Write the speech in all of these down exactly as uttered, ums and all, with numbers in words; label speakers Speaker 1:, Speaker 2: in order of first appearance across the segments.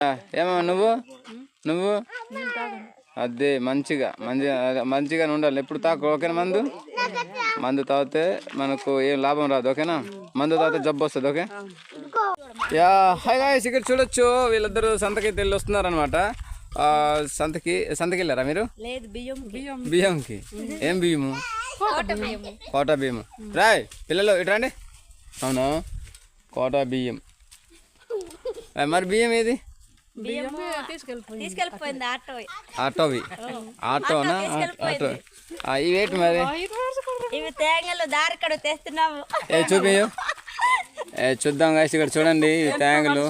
Speaker 1: ఏమో నువ్వు నువ్వు అదే మంచిగా మంచిగా మంచిగా ఉండాలి ఎప్పుడు తాకు ఓకేనా మందు మందు తాగితే మనకు ఏం లాభం రాదు ఓకేనా మందు తాగితే జబ్బు వస్తుంది ఓకే యా హాయ్ గాయ్స్ ఇక్కడ చూడొచ్చు వీళ్ళిద్దరు సంతకి వెళ్ళి వస్తున్నారు అనమాట సంతకి సంతకి వెళ్ళారా మీరు బియ్యంకి ఏం బియ్యము కోటా బియ్యము రాయ్ పిల్లలు ఇటు రండి అవునా కోటా బియ్యం మరి బియ్యం ఏది ఆటోవి ఆటోనా ఆటో ఇవేటి మరి ఏ చూపియు ఏ చూద్దాం కాసి ఇక్కడ చూడండి ఈ తేంగలు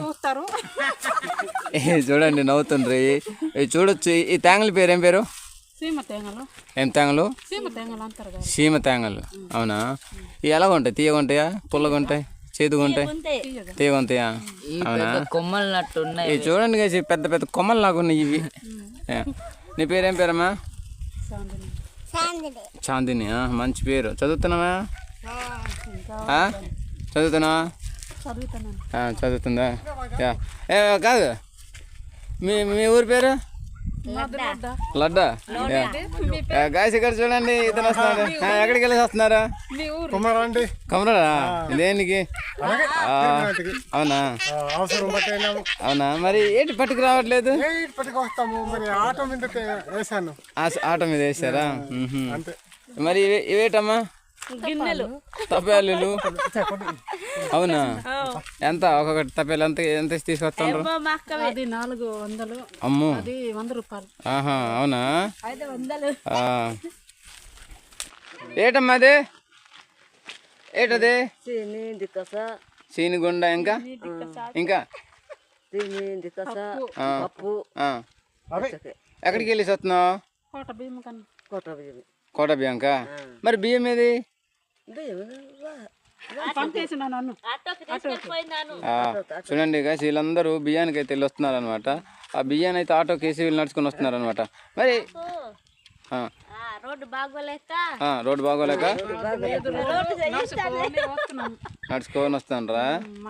Speaker 1: చూడండి నవ్వుతుండ్రి ఇవి చూడొచ్చు ఈ తేంగల పేరు ఏం పేరు ఏం తేంగలు సీమ తేంగలు అవునా ఇవి ఎలాగ ఉంటాయి తీయగా ఉంటాయా పుల్లగా ఉంటాయి చేదుగా ఉంటాయి తీయగా ఉంటాయా అవునా
Speaker 2: కొమ్మలు నట్టు ఉన్నాయి
Speaker 1: చూడండి కాసి పెద్ద పెద్ద కొమ్మలు లాగా ఉన్నాయి ఇవి నీ పేరేం పేరమ్మా చాందిని మంచి పేరు చదువుతున్నావా చదువుతున్నావా చదువుతుందా ఏ కాదు మీ మీ ఊరి పేరు లడ్డా గాయస్ ఇక్కడ చూడండి ఇతను వస్తున్నాడు ఎక్కడికి వెళ్ళేసి వస్తున్నారా కొమరా దేనికి అవునా అవునా మరి ఏంటి పట్టుకు రావట్లేదు ఆటో మీద వేసారా మరి ఇవేటమ్మా తపేలు అవునా ఎంత ఒక్కొక్కటి తపేలు ఎంత ఎంత తీసుకొస్తాను అమ్మో ఆహా అవునా ఏటమ్మా అదే ఏటది సీనిగుండ ఇంకా ఇంకా ఎక్కడికి వెళ్ళేసి వస్తున్నావు కోట బియ్యంకా మరి బియ్యం ఏది చూడండి గాయస్ వీళ్ళందరూ బియ్యానికి అయితే వెళ్ళి వస్తున్నారు అనమాట ఆ బియ్యాన్ని అయితే ఆటోకి వేసి వీళ్ళు నడుచుకొని వస్తున్నారు అనమాట మరి రోడ్డు బాగోలేక నడుచుకొని వస్తానరా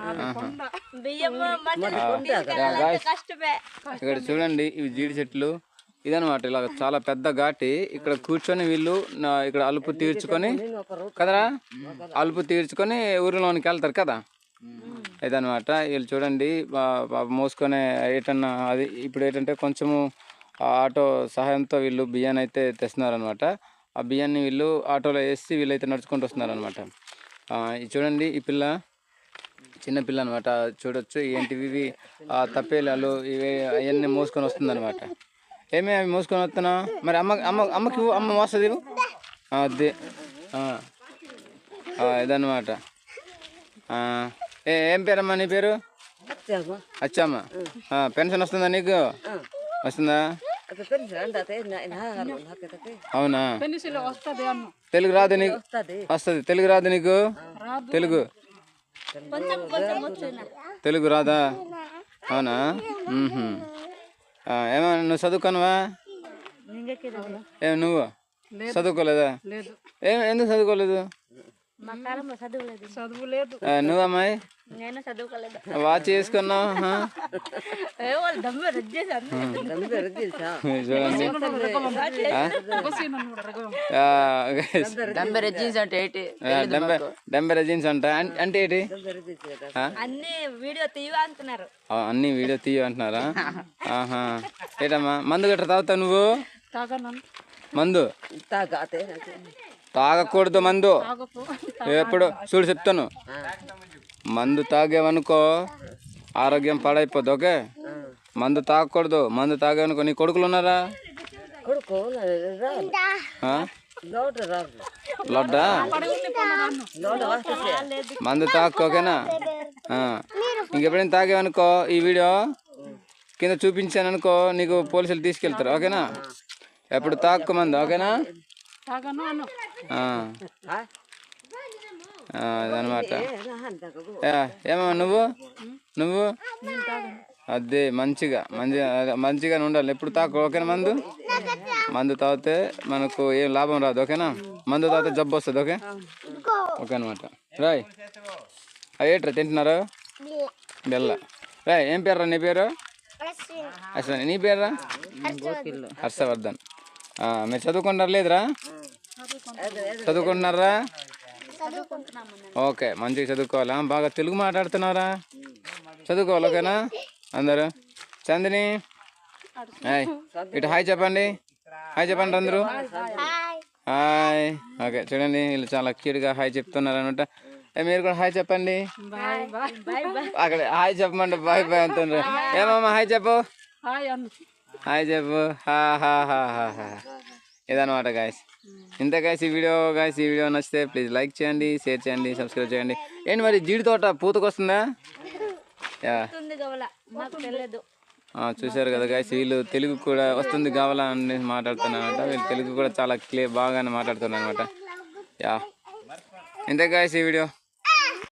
Speaker 1: ఇక్కడ చూడండి ఇవి జీడి చెట్లు ఇదనమాట ఇలా చాలా పెద్ద ఘాటి ఇక్కడ కూర్చొని వీళ్ళు ఇక్కడ అలుపు తీర్చుకొని కదరా అలుపు తీర్చుకొని ఊరిలోనికి వెళ్తారు కదా ఇదనమాట వీళ్ళు చూడండి మోసుకొని ఏటన్నా అది ఇప్పుడు ఏంటంటే కొంచెము ఆటో సహాయంతో వీళ్ళు బియ్యాన్ని అయితే తెస్తున్నారు అనమాట ఆ బియ్యాన్ని వీళ్ళు ఆటోలో వేసి వీళ్ళైతే నడుచుకుంటూ వస్తున్నారు అనమాట ఇది చూడండి ఈ పిల్ల చిన్న పిల్ల అనమాట చూడొచ్చు ఏంటివి ఇవి తప్పేలాలు ఇవి అవన్నీ మోసుకొని వస్తుంది అనమాట ఏమే అవి మోసుకొని వస్తున్నా మరి అమ్మ అమ్మ అమ్మకి అమ్మ మోస్తుంది అదే ఇదన్నమాట ఏ ఏం పేరమ్మా నీ పేరు అచ్చమ్మ పెన్షన్ వస్తుందా నీకు వస్తుందా అవునా తెలుగు రాదు నీకు వస్తుంది తెలుగు రాదు నీకు తెలుగు తెలుగు రాదా అవునా ఏమో నువ్వు చదువుకోనువా ఏం నువ్వు చదువుకోలేదా ఏం ఎందుకు చదువుకోలేదు నువ్వు అమ్మాయి వాచ్ చేసుకున్నావు డంబెర జీన్స్ అంట అంటే ఏంటి అన్ని వీడియో తీయ అంటున్నారా ఆహా ఏటమ్మా మందు గట్రా తాగుతావు నువ్వు మందు తాగకూడదు మందు ఎప్పుడు చూడు చెప్తాను మందు తాగేవనుకో ఆరోగ్యం పాడైపోద్ది ఓకే మందు తాగకూడదు మందు తాగేవనుకో నీ కొడుకులు ఉన్నారా లడ్డా మందు తాకు ఓకేనా ఇంకెప్పుడైనా తాగేవనుకో ఈ వీడియో కింద చూపించాను అనుకో నీకు పోలీసులు తీసుకెళ్తారు ఓకేనా ఎప్పుడు తాక్కు మందు ఓకేనా అదనమాట ఏమో నువ్వు నువ్వు అదే మంచిగా మంచిగా మంచిగా ఉండాలి ఎప్పుడు తాకు ఓకేనా మందు మందు తాగితే మనకు ఏం లాభం రాదు ఓకేనా మందు తాగితే జబ్బు వస్తుంది ఓకే ఓకే అనమాట రాయ్ అయ్యేట్రా తింటున్నారు బెల్ల రాయ్ ఏం పేరు నీ పేరు అశ్విని నీ పేరా? హర్షవర్ధన్. ఆ, మీరు చదువుకుంటారు లేదురా? చదువుకుంటున్నారా? ఓకే, మంచిగా చదువుకోవాలా? బాగా తెలుగు మాట్లాడుతున్నారా? చదువుకోవాలి ఓకేనా అందరూ? చందిని హాయ్, ఇటు హాయ్ చెప్పండి. హాయ్ చెప్పండి అందరూ. హాయ్. ఓకే, చూడండి వీళ్ళు చాలా క్యూట్గా హాయ్ చెప్తున్నారు అనమాట. మీరు కూడా హాయ్ చెప్పండి. అక్కడ హాయ్ చెప్పమంటే బాయ్ బాయ్ అంటున్నారు. ఏమమ్మా హాయ్ చెప్పు. హాయ్ చెప్పు. హా హా హా హా హా ఇదనమాట గాయస్. ఇంత గాయస్ ఈ వీడియో గాయస్ ఈ వీడియో నచ్చితే ప్లీజ్ లైక్ చేయండి, షేర్ చేయండి, సబ్స్క్రైబ్ చేయండి. ఏంటి మరి జీడి తోట పూతకొస్తుందా? యా చూశారు కదా గాయస్, వీళ్ళు తెలుగు కూడా వస్తుంది కావాలా అని మాట్లాడుతున్నారనమాట. వీళ్ళు తెలుగు కూడా చాలా క్లియర్ బాగానే మాట్లాడుతున్నారు అనమాట. యా ఇంతే గాయస్ ఈ వీడియో.